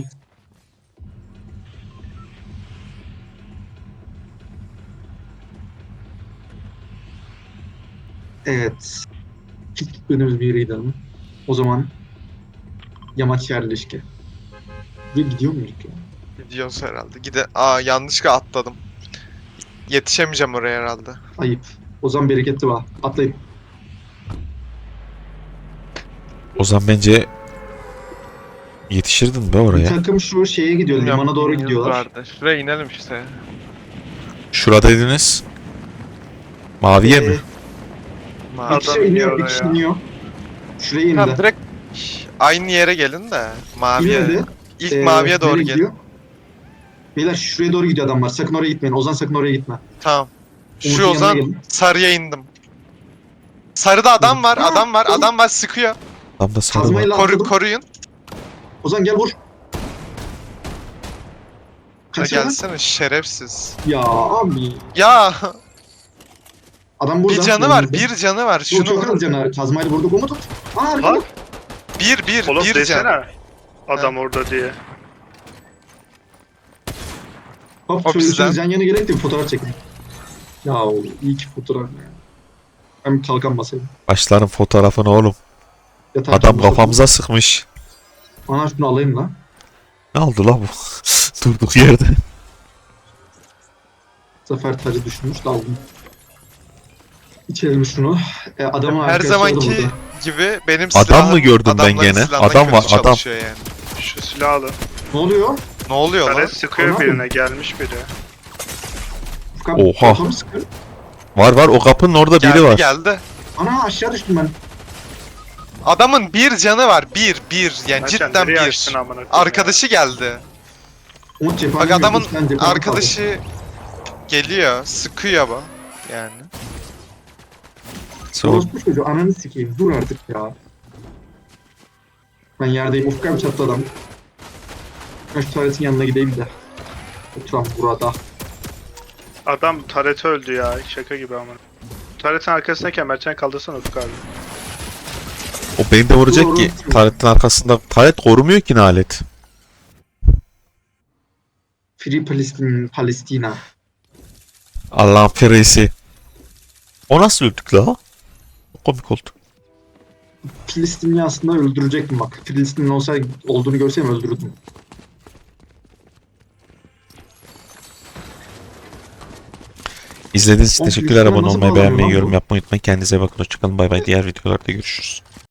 [SPEAKER 4] Evet. Hiç gitmediğimiz bir yereydi ama. O zaman yamaç yerleşke. Ve gidiyor muyduk ya?
[SPEAKER 3] Gidiyoruz herhalde. Gide Aa yanlışlıkla atladım. Yetişemeyeceğim oraya herhalde.
[SPEAKER 4] Ayıp. O zaman bereketli var. Atlayın.
[SPEAKER 2] O zaman bence yetişirdin be
[SPEAKER 4] Bir
[SPEAKER 2] oraya.
[SPEAKER 4] takım şu şeye gidiyor.
[SPEAKER 3] Bilmiyorum,
[SPEAKER 4] Limana doğru
[SPEAKER 3] yolumuz
[SPEAKER 4] gidiyorlar.
[SPEAKER 3] vardı. Şuraya inelim işte.
[SPEAKER 2] Şuradaydınız. Maviye mi?
[SPEAKER 4] Ee,
[SPEAKER 3] Ma-
[SPEAKER 4] Bir kişi
[SPEAKER 1] Adam
[SPEAKER 4] iniyor, bir
[SPEAKER 1] iniyor
[SPEAKER 4] kişi
[SPEAKER 1] ya.
[SPEAKER 4] iniyor. Şuraya indi.
[SPEAKER 3] Tamam direkt aynı yere gelin de maviye.
[SPEAKER 4] İnmedi.
[SPEAKER 3] İlk
[SPEAKER 4] Ee,
[SPEAKER 3] maviye doğru
[SPEAKER 4] nereye
[SPEAKER 3] gelin.
[SPEAKER 4] gidiyor? Beyler şuraya doğru gidiyor adamlar. Sakın oraya gitmeyin. Ozan sakın oraya gitme.
[SPEAKER 3] Tamam. Şu
[SPEAKER 4] Umut'un
[SPEAKER 3] o
[SPEAKER 4] yanına
[SPEAKER 3] zaman
[SPEAKER 4] gelin.
[SPEAKER 3] sarıya indim. Sarıda adam var,
[SPEAKER 4] Ha,
[SPEAKER 3] adam var,
[SPEAKER 4] oğlum.
[SPEAKER 3] adam var sıkıyor.
[SPEAKER 2] Tam da sarı var.
[SPEAKER 4] Kazmayla
[SPEAKER 3] Koru,
[SPEAKER 4] atladım.
[SPEAKER 3] koruyun.
[SPEAKER 4] Ozan gel vur.
[SPEAKER 3] Ha,
[SPEAKER 4] Kaç ya?
[SPEAKER 3] gelsene şerefsiz.
[SPEAKER 4] Ya abi.
[SPEAKER 3] Ya
[SPEAKER 4] Adam burada.
[SPEAKER 3] bir canı var,
[SPEAKER 4] yanımızda.
[SPEAKER 3] bir canı var.
[SPEAKER 4] Bu
[SPEAKER 3] Şunu
[SPEAKER 4] çok
[SPEAKER 3] vurun.
[SPEAKER 4] az canı. Kazmayla vurduk. Umut tut. Aa arkada.
[SPEAKER 1] Lan
[SPEAKER 3] Bir, bir,
[SPEAKER 1] oğlum
[SPEAKER 3] bir
[SPEAKER 1] desene.
[SPEAKER 3] can.
[SPEAKER 1] Adam orada diye.
[SPEAKER 4] Hop
[SPEAKER 3] O
[SPEAKER 4] şöyle
[SPEAKER 3] bizden.
[SPEAKER 4] üçümüz yan yana gerek de bir fotoğraf çekelim. Ya oğlum iyi ki fotoğraf ya. Ben bir kalkan basayım.
[SPEAKER 2] Başların fotoğrafını oğlum.
[SPEAKER 4] Yatak
[SPEAKER 2] Adam
[SPEAKER 4] çantası.
[SPEAKER 2] kafamıza sıkmış.
[SPEAKER 4] Ana şunu alayım lan.
[SPEAKER 2] Ne oldu la bu? Durduk yerde.
[SPEAKER 4] Zafer tacı düşmüş da aldım. İçelim şunu. E, adamın
[SPEAKER 3] Her
[SPEAKER 4] arkadaşları da
[SPEAKER 3] zamanki
[SPEAKER 4] burada.
[SPEAKER 3] gibi benim
[SPEAKER 2] Adam
[SPEAKER 3] silahım
[SPEAKER 2] mı gördüm ben
[SPEAKER 3] adamların
[SPEAKER 2] gene?
[SPEAKER 3] silahından
[SPEAKER 2] Adam
[SPEAKER 3] kötü
[SPEAKER 2] var, adam.
[SPEAKER 3] çalışıyor Yani.
[SPEAKER 1] Şu silahı alın.
[SPEAKER 4] Ne oluyor?
[SPEAKER 3] Ne oluyor lan?
[SPEAKER 1] Taret sıkıyor
[SPEAKER 4] Ana
[SPEAKER 1] birine, gelmiş biri.
[SPEAKER 4] Furkan,
[SPEAKER 2] Oha.
[SPEAKER 4] kafamı sıkıyor.
[SPEAKER 2] Var var, o kapının orada
[SPEAKER 3] Geldi
[SPEAKER 2] biri var.
[SPEAKER 3] geldi.
[SPEAKER 4] Ana aşağı düştüm ben.
[SPEAKER 3] Adamın bir canı var. Bir, bir. Yani
[SPEAKER 1] Lan sen
[SPEAKER 3] cidden
[SPEAKER 1] nereye
[SPEAKER 3] bir.
[SPEAKER 1] açtın amına koyayım
[SPEAKER 3] Arkadaşı geldi.
[SPEAKER 4] Umut cephane
[SPEAKER 3] Bak adamın
[SPEAKER 4] gördüm, sen cephane
[SPEAKER 3] arkadaşı geliyor, sıkıyor bu. Yani.
[SPEAKER 4] kaldı.
[SPEAKER 2] So,
[SPEAKER 4] Orospu çocuğu ananı sikeyim. Dur artık ya. Ben yerdeyim. Ufukam çattı adam. Ben şu tuvaletin yanına gideyim de. Oturan burada.
[SPEAKER 1] Adam taret öldü ya. Şaka gibi amına. Taretin arkasındayken Mertcan kaldırsana Ufuk abi.
[SPEAKER 2] o beni de vuracak
[SPEAKER 4] Doğru.
[SPEAKER 2] ki. Taretin arkasında. Taret korumuyor ki ne alet.
[SPEAKER 4] Free Palestine, Palestina.
[SPEAKER 2] Allah'ın ferisi. O nasıl öldük la? Komik oldu.
[SPEAKER 4] Filistinli aslında öldürecektim bak. Filistinli olsa olduğunu görsem öldürürdüm.
[SPEAKER 2] İzlediğiniz için
[SPEAKER 4] Oğlum,
[SPEAKER 2] teşekkürler.
[SPEAKER 4] Filistin'e
[SPEAKER 2] Abone
[SPEAKER 4] nasıl
[SPEAKER 2] olmayı,
[SPEAKER 4] bağlanıyor
[SPEAKER 2] beğenmeyi,
[SPEAKER 4] lan
[SPEAKER 2] yorum
[SPEAKER 4] bu?
[SPEAKER 2] yapmayı unutmayın. Kendinize bakın. Hoşçakalın. Bay bay. Diğer videolarda görüşürüz.